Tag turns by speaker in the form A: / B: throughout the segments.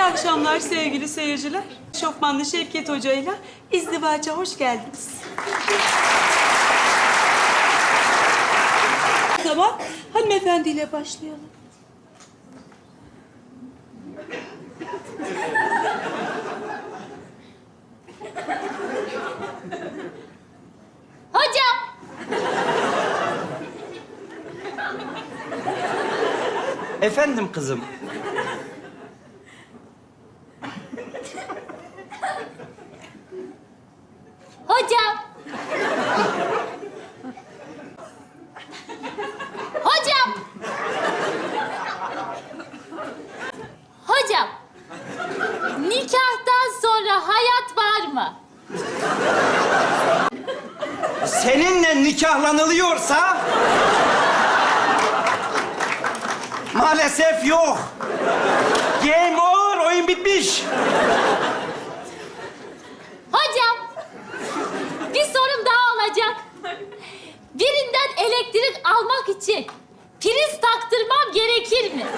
A: akşamlar sevgili seyirciler. Şofmanlı Şevket Hoca ile izdivaca hoş geldiniz. Tamam, hanımefendiyle başlayalım.
B: Hocam.
C: Efendim kızım.
B: Hocam. Hocam. Hocam. Nikahtan sonra hayat var mı?
C: Seninle nikahlanılıyorsa... maalesef yok. Game over, oyun bitmiş.
B: Hocam. Bir sorum daha olacak. Birinden elektrik almak için priz taktırmam gerekir mi?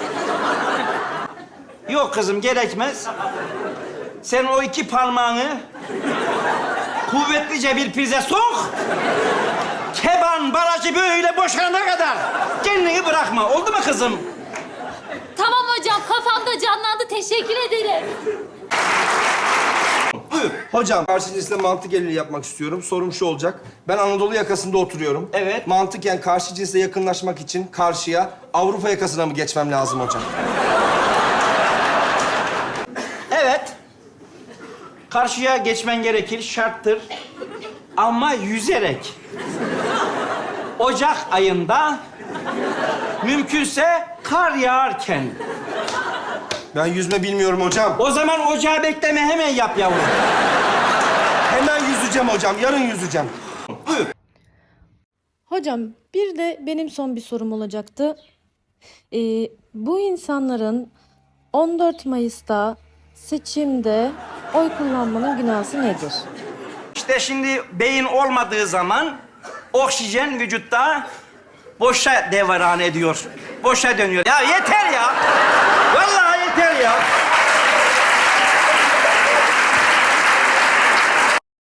C: Yok kızım, gerekmez. Sen o iki parmağını kuvvetlice bir prize sok. Keban barajı böyle boşalana kadar kendini bırakma. Oldu mu kızım?
B: Tamam hocam, kafamda canlandı. Teşekkür ederim.
D: Hocam, karşı cinsle mantık evliliği yapmak istiyorum. Sorum şu olacak. Ben Anadolu yakasında oturuyorum.
C: Evet.
D: Mantıken karşı cinsle yakınlaşmak için karşıya Avrupa yakasına mı geçmem lazım hocam?
C: Evet. Karşıya geçmen gerekir, şarttır. Ama yüzerek. Ocak ayında, mümkünse kar yağarken.
D: Ben yüzme bilmiyorum hocam.
C: O zaman ocağı bekleme, hemen yap yavrum.
D: Hemen yüzeceğim hocam. Yarın yüzeceğim.
C: Buyur.
E: Hocam, bir de benim son bir sorum olacaktı. Bu insanların 14 Mayıs'ta seçimde oy kullanmanın günahı nedir?
C: İşte şimdi beyin olmadığı zaman oksijen vücutta boşa devran ediyor. Boşa dönüyor. Ya yeter ya. Vallahi yeter ya.